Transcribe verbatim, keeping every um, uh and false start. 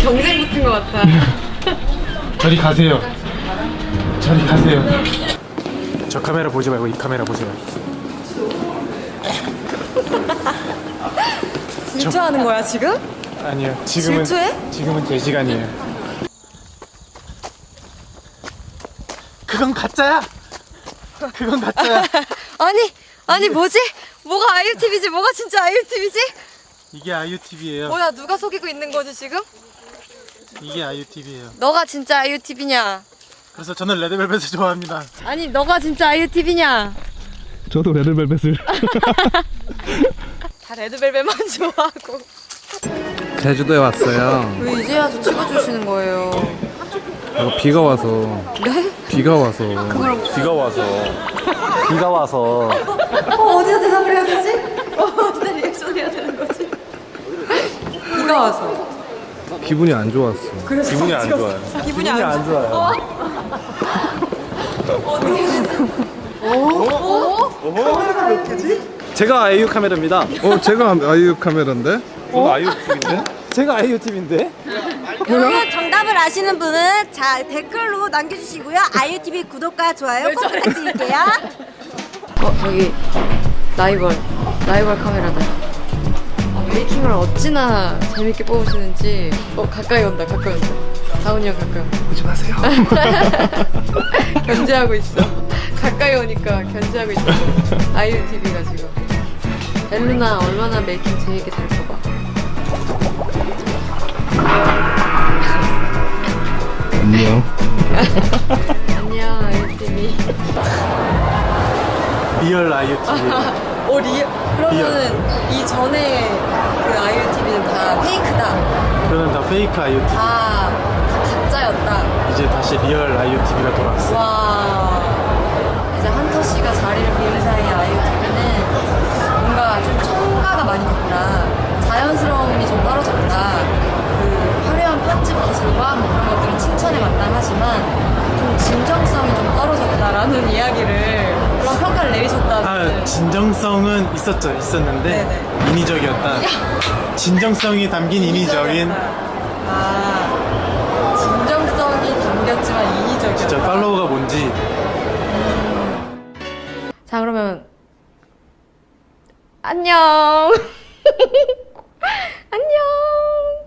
경쟁 붙은 것 같아. 저리 가세요. 저리 가세요. 저 카메라 보지 말고 이 카메라 보세요. 질투하는 거야 지금? 아니요. 지금은 질투해? 지금은 제 시간이에요. 그건 가짜야. 그건 가짜야. 아니 아니 뭐지? 뭐가 아이유티비지? 뭐가 진짜 아이유티비지? 이게 아이유티비예요. 뭐야 누가 속이고 있는 거지 지금? 이게 아이유티비예요. 너가 진짜 아이유티비냐? 그래서 저는 레드벨벳을 좋아합니다. 아니 너가 진짜 아이유티비냐? 저도 레드벨벳을. 다 레드벨벳만 좋아하고. 제주도에 왔어요. 왜 이제 와서 찍어주시는 거예요? 어, 비가 와서. 네? 비가 와서. 비가 와서. 비가 와서. 어, 어디다 대답을 해야 되지? 어, 어디다 리액션 해야 되는 거지? 비가 와서. 기분이 안 좋았어. 그래서 기분이 안 좋아요. 기분이 안, 안 좋아요. 제가 아이유 카메라입니다. 어, 제가 아이유 카메라인데? 저도 아이유티비인데? 제가 아이유 팀인데? 그러면 정답을 아시는 분은 자 댓글로 남겨주시고요. 아이유티비 구독과 좋아요 꼭 부탁드릴게요. 어, 저기 라이벌 라이벌 카메라다. 아, 메이킹을 어찌나 재밌게 뽑으시는지. 어, 가까이 온다 가까이 온다. 다운이 형 가까이 온다. 오지 마세요. 견제하고 있어. 가까이 오니까 견제하고 있어. 아이유티비가 지금. 엘루나 얼마나 메이킹 재밌게 잘 뽑아. 안녕. 안녕 아이유티비. 리얼 아이유티비. 오 리. 그러면은 이 전에 그 아이유티비는 다 페이크다. 저는 다 페이크 아이유티비. 다, 다 가짜였다. 이제 다시 리얼 아이유티비가 돌아왔어요. 와. 이제 한터 씨가 자리를 비운 사이에 아이유티비는 뭔가 좀 첨가가 많이 됐다. 자연스러움이 좀 떨어졌다. 그 화려한 편집 기술과 뭐 그런 것들은 칭찬에 마땅하지만 좀 진정성이 좀 떨어졌다라는 이야기를 그런 평가를 내리셨다는. 아, 진정성은 있었죠. 있었는데 네네. 인위적이었다. 진정성이 담긴 인위적인. 아, 진정성이 담겼지만 인위적이었다. 진짜 팔로우가 뭔지. 자, 그러면 안녕. 안녕.